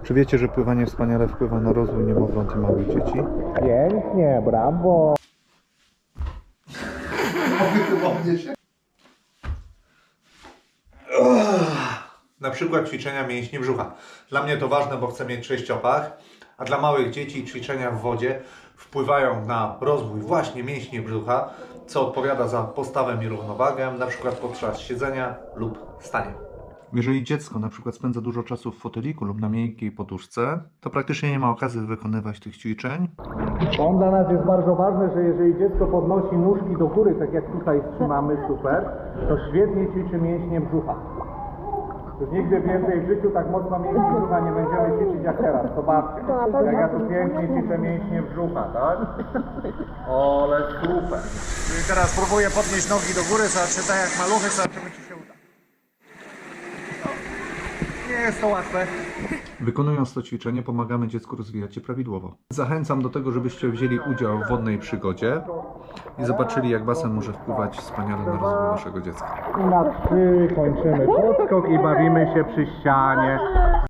Czy wiecie, że pływanie wspaniale wpływa na rozwój niemowląt i małych dzieci? Pięknie, brawo! Na przykład ćwiczenia mięśni brzucha. Dla mnie to ważne, bo chcę mieć sześciopach, a dla małych dzieci ćwiczenia w wodzie wpływają na rozwój właśnie mięśni brzucha, co odpowiada za postawę i równowagę, na przykład podczas siedzenia lub stania. Jeżeli dziecko na przykład spędza dużo czasu w foteliku lub na miękkiej poduszce, to praktycznie nie ma okazji wykonywać tych ćwiczeń. Dla nas jest bardzo ważne, że jeżeli dziecko podnosi nóżki do góry, tak jak tutaj trzymamy, super, to świetnie ćwiczy mięśnie brzucha. Już nigdy więcej w życiu tak mocno mięśni brzucha nie będziemy ćwiczyć jak teraz. Zobaczcie, jak ja tu pięknie ćwiczę mięśnie brzucha, tak? Ole super. Czyli teraz próbuję podnieść nogi do góry, zobaczymy tak jak maluchy, zobaczymy czy się uda. Nie jest to łatwe. Wykonując to ćwiczenie pomagamy dziecku rozwijać się prawidłowo. Zachęcam do tego, żebyście wzięli udział w wodnej przygodzie i zobaczyli, jak basen może wpływać wspaniale na rozwój waszego dziecka. I na 3 kończymy podskok i bawimy się przy ścianie.